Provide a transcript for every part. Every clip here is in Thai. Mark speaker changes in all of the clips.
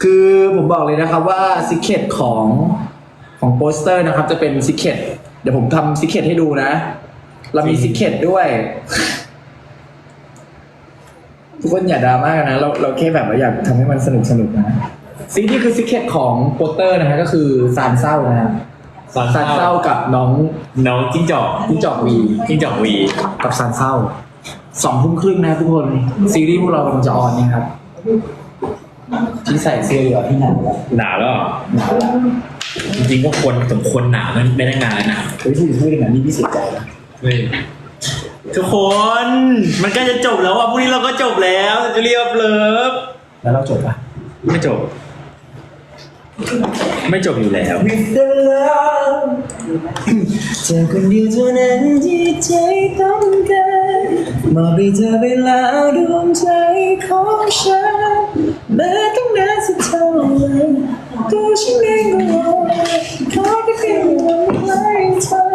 Speaker 1: คือผมบอกเลยนะครับว่าซิกเก็ตของโปสเตอร์นะครับจะเป็นซิกเก็ตเดี๋ยวผมทำซิกเก็ตให้ดูนะ เรามีซิกเก็ตด้วย ทุกคนอย่าดราม่ากันนะเราแค่แบบว่าอยากทำให้มันสนุกนะสิ่งที่คือซิกเก็ตของโปสเตอร์นะฮะก็คือซานเศร้านะฮะซานเศร้ากับน้อง
Speaker 2: จิ้งจอกวี
Speaker 1: กับซานเศร้า20:30นะทุกคนซีรีส์พวกเรากำลังจะออนนี่ครับที่ใส่เสื้อเหลืองที่หนาวแล้ว
Speaker 2: หนาวแล้วจริงๆก็สมควรหนาวมันไม่ได้งานนะ
Speaker 1: เฮ้ยพูดอย่างนั้นนี่พี่เสียใจนะ
Speaker 2: ทุกคนมันก็จะจบแล้วอ่ะพรุ่งนี้เราก็จบแล้วจะเรียบเลิฟ
Speaker 1: แล้วเราจบปะ
Speaker 2: ไม่จบอยู่แล้ว
Speaker 1: เธอคนเดียวเท่านั้นที่ใจต้องการมอบให้เธอไปแล้วดวงใจของฉันแม้ต้องนานสักเท่าไหร่ตัวฉันเองก็รอขอแค่เพียงวันให้เธอ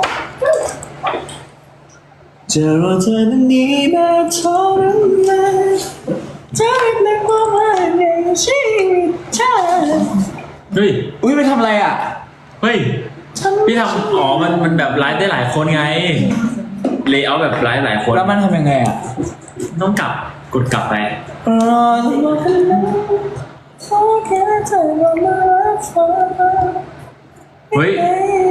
Speaker 1: จะรอเธอนั้นนี้แบบทรมานเธอเป็นความหมายในชีวิตฉัน
Speaker 2: เฮ้ย
Speaker 1: อุ้ยไปทำอะไรอ่ะ
Speaker 2: เฮ้ยพี่ทำอ๋อมันแบบไลฟ์ได้หลายคนไงเลเยอร์แบบไลฟ์หลายคน
Speaker 1: แล้วมันทำยังไงอ่ะ
Speaker 2: ต้องกดกลับไปเฮ้ย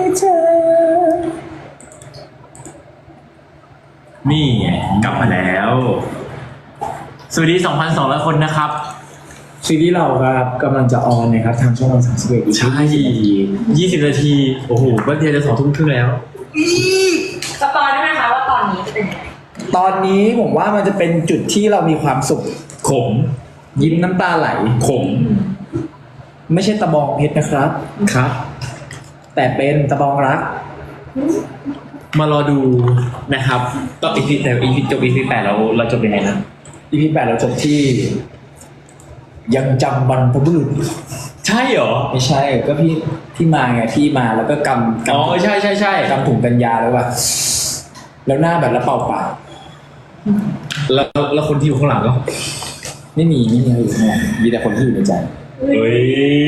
Speaker 2: นี่กลับมาแล้วสวัสดี 2,200 คนนะครับ
Speaker 1: ซีรีส์เราครับกำลังจะออนนะครับทางช่องวัน31
Speaker 2: ใช่20 นาทีโอ้โหก็เดียวจะ2 ทุ่มครึ่งแล้ว
Speaker 3: สปอยได้ไหมคะว่าตอนนี้จะเป็นยังไง
Speaker 1: ตอนนี้ผมว่ามันจะเป็นจุดที่เรามีความสุข
Speaker 2: ขม
Speaker 1: ยิ้มน้ำตาไหล
Speaker 2: ขม
Speaker 1: ไม่ใช่ตะบองเพชรนะครับ
Speaker 2: ครับ
Speaker 1: แต่เป็นตะบองรัก
Speaker 2: มารอดูนะครับต่ออีพีจบEP 8เราจบยังไงนะ
Speaker 1: EP 8เราจบที่ยังจำบรรพบุรุษ
Speaker 2: ใช่เหรอ
Speaker 1: ไม่ใช่ก็พี่มาไงพี่มาแล้วก็กำ
Speaker 2: อ๋อใช่
Speaker 1: กำถุงกัญญาแล้วว่ะแล้วหน้าแบบแล้วเป่าปาก
Speaker 2: แล้วคนที่อยู่ข้างหลังก็
Speaker 1: ไม่มีอะไรอยู่ข้างหลังมีแต่คนที่อยู่ในใจ
Speaker 2: เฮ้ย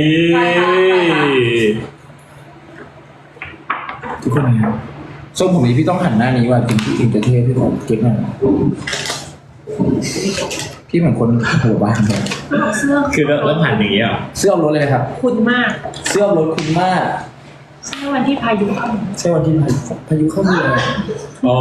Speaker 1: ทุกคนนะครับทรงผมนี้พี่ต้องหันหน้านี้ว่ะถึงจะเท่พี่ผมเก็บหน่อยพี่เหมือนคนหัวบ้านเลย
Speaker 2: คือแล้วผ่านอย่างนี้อ่ะ
Speaker 1: เสื้อรถเลยนะครับ
Speaker 3: คุณมาก
Speaker 1: เสื้อรถคุณมาก
Speaker 3: ใช่วันที่พายุเข้า
Speaker 1: ใช่วันที่พายุเข้าเมือง
Speaker 2: อ๋อ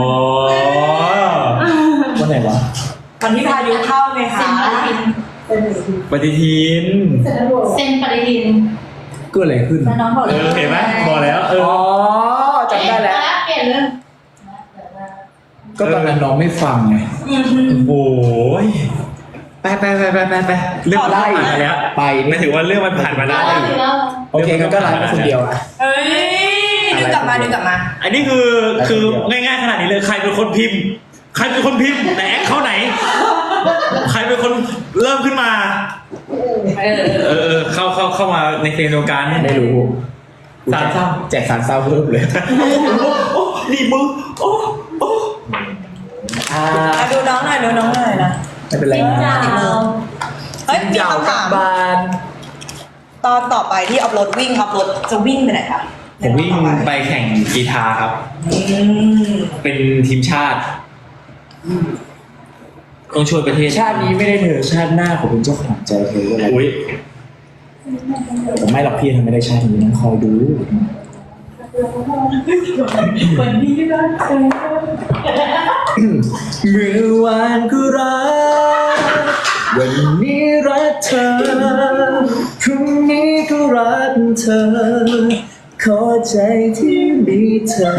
Speaker 1: วันไหนวะ
Speaker 3: วันที่พายุเข้าไงคะ
Speaker 2: ปฏิทิน
Speaker 3: เซ็นปฏิทิน
Speaker 1: เกิดอะไรขึ้น
Speaker 3: น้องบอก
Speaker 2: เห็นไหมบอกแล้ว
Speaker 1: อ๋อจำได้แล้ว
Speaker 3: เปลี่ยนเรื่อง
Speaker 1: ก็ตอนนั้นน้องไม่ฟังไง
Speaker 2: โอ้ยไปเรื่อง
Speaker 1: ไล่
Speaker 2: แล้ว
Speaker 1: ไป
Speaker 2: ไม่ถือว่าเรื่องมันผ่านมาได้
Speaker 1: โอเคก็ไล่มาคนเดียวอ่ะ
Speaker 3: เฮ้ยดึงกลับมา
Speaker 2: อันนี้คือง่ายๆขนาดนี้เลยใครเป็นคนพิมพ์แต่แอคเขาไหนใครเป็นคนเริ่มขึ้นมาเข้ามาในเฟรมเดียวกัน
Speaker 1: ได้รู้
Speaker 2: สารเศร้า
Speaker 1: แจกสารเศร้าเพิ่มเลย
Speaker 2: นี่มึง
Speaker 3: ดูน้องหน่อยนะ
Speaker 1: ไม่เป็นไร
Speaker 3: เฮ้ยมีคำถามตอนต่อไปที่อัพโหลดจะวิ่งไปไหนคะ
Speaker 2: ผมวิ่งไปแข่งกีฬาครับเป็นทีมชาติต้องช่วยประเทศ
Speaker 1: ชาตินี้ไม่ได้เธอชาติหน้าผมเป็นเจ้าของใจเธออะไรผมไม่หรอกพี่ทำไม่ได้ชาตินี้นั่งคอยดู
Speaker 3: วันนี้รักเธอ
Speaker 1: เมื่อวานก็รักวันนี้รักเธอพรุ่งนี้ก็รักเธอขอใจที่มีเธอ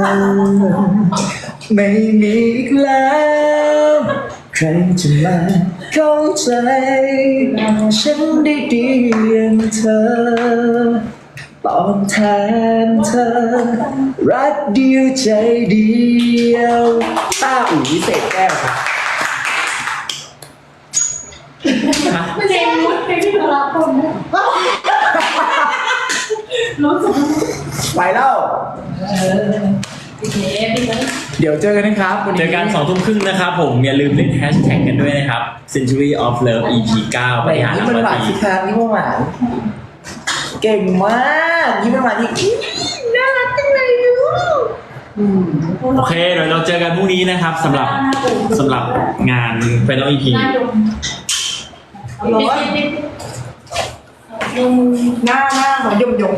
Speaker 1: ไม่มีอีกแล้วใครจะมาเข้าใจฉันได้ดีอย่างเธอตอบแทนเธอรักเดียวใจเดียวต้าอุ๋ยเศษแก้วครับ
Speaker 3: เพลงมุดเพลงที่เรารักคนรู้สึก
Speaker 1: ไปแล้วเดี๋ยวเจอกันนะครับวันนี้
Speaker 2: เจอกัน2 ทุ่มครึ่งนะครับผมอย่าลืมเล่นแฮชแท็กกันด้วยนะครับ Century of Love EP 9
Speaker 1: ไหน
Speaker 2: ปฏิหาร
Speaker 1: ยิ้ม
Speaker 2: หลัง
Speaker 1: มันหวาน
Speaker 2: ปี
Speaker 1: สิครับยิ้มมันหวานเก่งมากยิ้มมันหวานที่น่ารักจังเลยลูก
Speaker 2: โอเคเดี๋ยวเราเจอกันพรุ่งนี้นะครับสำหรับงาน Final EP
Speaker 3: หรอหน้าของยม
Speaker 1: จริง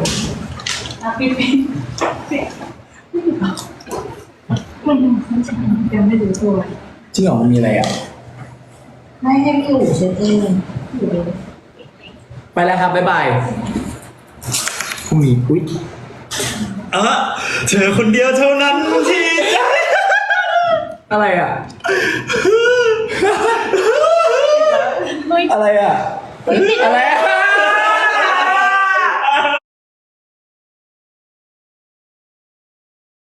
Speaker 1: เหรอมันมีอะไรอ่ะ
Speaker 4: ไม่ให้พี่อยู่เช็ดเอง
Speaker 1: ไปแล้วครับบ๊ายบายพรุ่งนี้อุ๊ย
Speaker 2: เธอคนเดียวเท่านั้นที่ใจ
Speaker 1: อะไรอ่ะ อะไรอ่ะอะไรอ่ะ